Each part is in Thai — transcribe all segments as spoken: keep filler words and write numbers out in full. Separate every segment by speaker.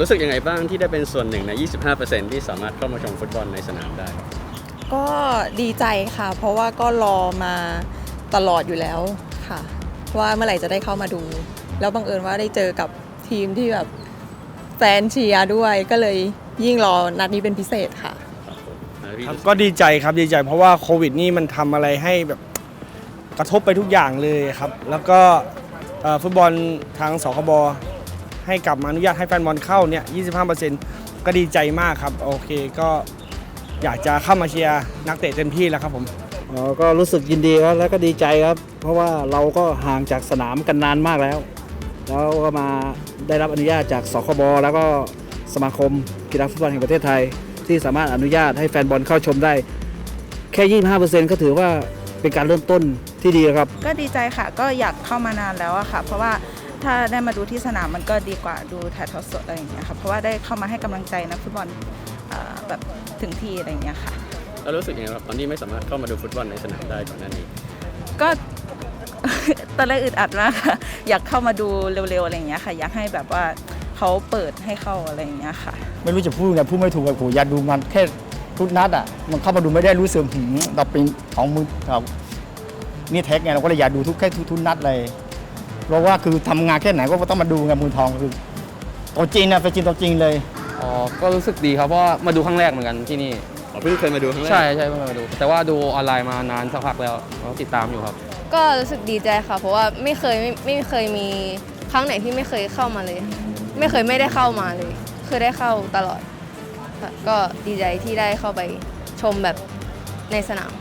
Speaker 1: รู้สึกยังไงบ้างที่ได้เป็นส่วนหนึ่งใน ยี่สิบห้าเปอร์เซ็นต์ ที่สามารถเข้ามาชมฟุตบอลในสนามได้
Speaker 2: ก็ดีใจค่ะเพราะว่าก็รอมาตลอดอยู่แล้วค่ะว่าเมื่อไหร่จะได้เข้ามาดูแล้วบังเอิญว่าได้เจอกับทีมที่แบบแฟนเชียร์ด้วยก็เลยยิ่งรอนัดนี้เป็นพิเศษค่ะ
Speaker 3: ครับก็ดีใจครับดีใจเพราะว่าโควิดนี่มันทำอะไรให้แบบกระทบไปทุกอย่างเลยครับแล้วก็ฟุตบอลทางสคบให้กลับมาอนุญาตให้แฟนบอลเข้าเนี่ย ยี่สิบห้าเปอร์เซ็นต์ ก็ดีใจมากครับโอเคก็อยากจะเข้ามาเชียร์นักเตะเต็มที่แล้วครับผม
Speaker 4: อ๋อก็รู้สึกยินดีครับแล้วก็ดีใจครับเพราะว่าเราก็ห่างจากสนามกันนานมากแล้วแล้วก็มาได้รับอนุญาตจากสคบแล้วก็สมาคมกีฬาฟุตบอลแห่งประเทศไทยที่สามารถอนุญาตให้แฟนบอลเข้าชมได้แค่ ยี่สิบห้าเปอร์เซ็นต์ ก็ถือว่าเป็นการเริ่มต้นที่ดีครับ
Speaker 5: ก็ดีใจค่ะก็อยากเข้ามานานแล้วอะค่ะเพราะว่าถ้าได้มาดูที่สนามมันก็ดีกว่าดูถ่ายทอดสดอะไรอย่างเงี้ยค่ะเพราะว่าได้เข้ามาให้กำลังใจนักฟุตบอลแบบถึงที่อะไรอย่างเงี้ยค่ะ
Speaker 1: แล้วรู้สึกยังไงครับตอนนี้ไม่สามารถเข้ามาดูฟุตบอลในสนามได้ก่อนหน้านี้
Speaker 5: ก็ ตอนแรกอึดอัดมากค่ะอยากเข้ามาดูเร็วๆอะไรอย่างเงี้ยค่ะอยากให้แบบว่าเขาเปิดให้เข้าอะไรอย่างเงี้ยค่ะ
Speaker 6: ไม่รู้จะพูดไงพูดไม่ถูกเลยผมอยากดูมันแค่ทุกนัดอ่ะมันเข้ามาดูไม่ได้รู้สึกหืมเราเป็นของมือเรานี่แท็กไงเราก็เลยอยากดูทุกแค่ทุกนัดเลยเพราะว่าคือทำงานแค่ไหนก็ต้องมาดูไงมือทองคือตัวจริงนะเป็นจริงตัวจริงเลย
Speaker 7: อ๋อก็รู้สึกดีครับเพราะว่ามาดูครั้งแรกเหมือนกันที่นี่
Speaker 1: อ๋อเพิ่งเคยมาดูครั้งแรก
Speaker 7: ใช่ใช่เพิ่งมาดูแต่ว่าดูออนไลน์มานานสักพักแล้วติดตามอยู่ครับ
Speaker 8: ก็รู้สึกดีใจค่ะเพราะว่าไม่เคยไม่ไม่เคยมีครั้งไหนที่ไม่เคยเข้ามาเลยไม่เคยไม่ได้เข้ามาเลยเคยได้เข้าตลอดค่ะก็ดีใจที่ได้เข้าไปชมแบบในสนาม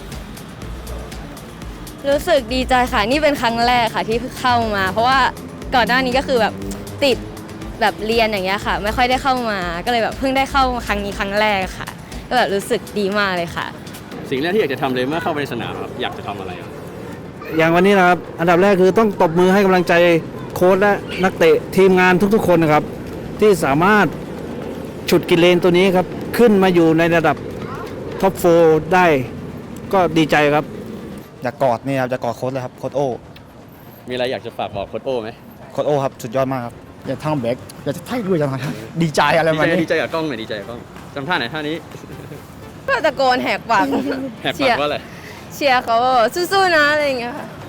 Speaker 8: รู้สึกดีใจค่ะนี่เป็นครั้งแรกค่ะที่เข้ามาเพราะว่าก่อนหน้านี้ก็คือแบบติดแบบเรียนอย่างเงี้ยค่ะไม่ค่อยได้เข้ามาก็เลยแบบเพิ่งได้เข้าครั้งนี้ครั้งแรกค่ะก็แบบรู้สึกดีมากเลยค่ะ
Speaker 1: สิ่งแรกที่อยากจะทำเลยเมื่อเข้าไปในสนามครับอยากจะทำอะไร
Speaker 4: อย่างวันนี้นะครับอันดับแรกคือต้องตบมือให้กำลังใจโค้ชและนักเตะทีมงานทุกๆคนนะครับที่สามารถฉุดกิเลนตัวนี้ครับขึ้นมาอยู่ในระดับท็อปโฟร์ได้ก็ดีใจครับ
Speaker 6: อยากกอดเนี่ยอยากกอดโค้ชเลยครับโค้ชโอ
Speaker 1: มีอะไรอยากจะฝากบอกโค้ชโอไหม
Speaker 6: โค้ชโอครับสุดยอดมากครับอยากทำแบกอยากจะไถ่ด้วยจังเลยดีใจอะไรมา
Speaker 1: นี้ดีใจกับกล้องหน่อยดีใจกับกล้องจำท่าไหนท่านี้
Speaker 8: ก็ตะโกนแหกปาก
Speaker 1: แหกปากว่าอะไร
Speaker 8: เชียร์เขาสู้ๆนะอะไรอย่างเงี้ยค่ะ